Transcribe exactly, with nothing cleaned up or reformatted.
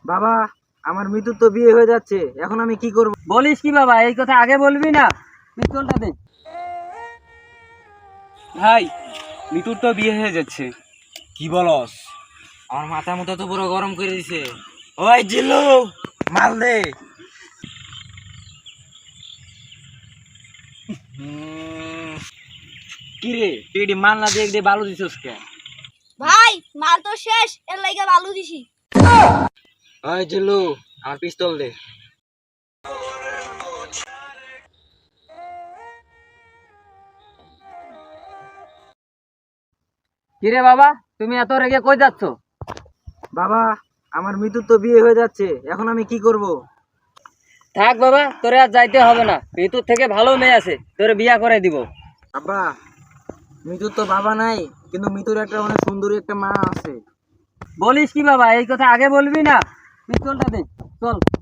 বাবা, আমার মৃত্যুর তো বিয়ে হয়ে যাচ্ছে, এখন আমি কি করব? বলিস কি বাবা, এই কথা আগে বলবি না? পিস্তলটা দে। ভাই, মিতুর তো বিয়ে হয়ে যাচ্ছে। কি বলস? আমার মাথার মতো তো পুরো গরম করে দিছে। ওই জিল্লু, মাল দে। কি রে, তুই এটি মাল না দিয়ে দিয়ে বালু দিছিস কে? ভাই মাল তো শেষ, এর লাইগা বালু দিছি। ওই জিল্লু, আমার পিস্তল দে। কিরে বাবা, তুমি এত রেগে কই যাচ্ছ? বাবা, আমার মৃত্যুর তো বিয়ে হয়ে যাচ্ছে, এখন আমি কি করব? থাক বাবা, তোরে আর যাইতে হবে না। ঋতুর থেকে ভালো মেয়ে আছে, তোরে বিয়া করে দিব। আব্বা, মৃত্যুর তো বাবা নাই, কিন্তু মৃত্যুর একটা অনেক সুন্দরী একটা মা আছে। বলিস কি বাবা, এই কথা আগে বলবি না? পিস্তলটা দে, চল।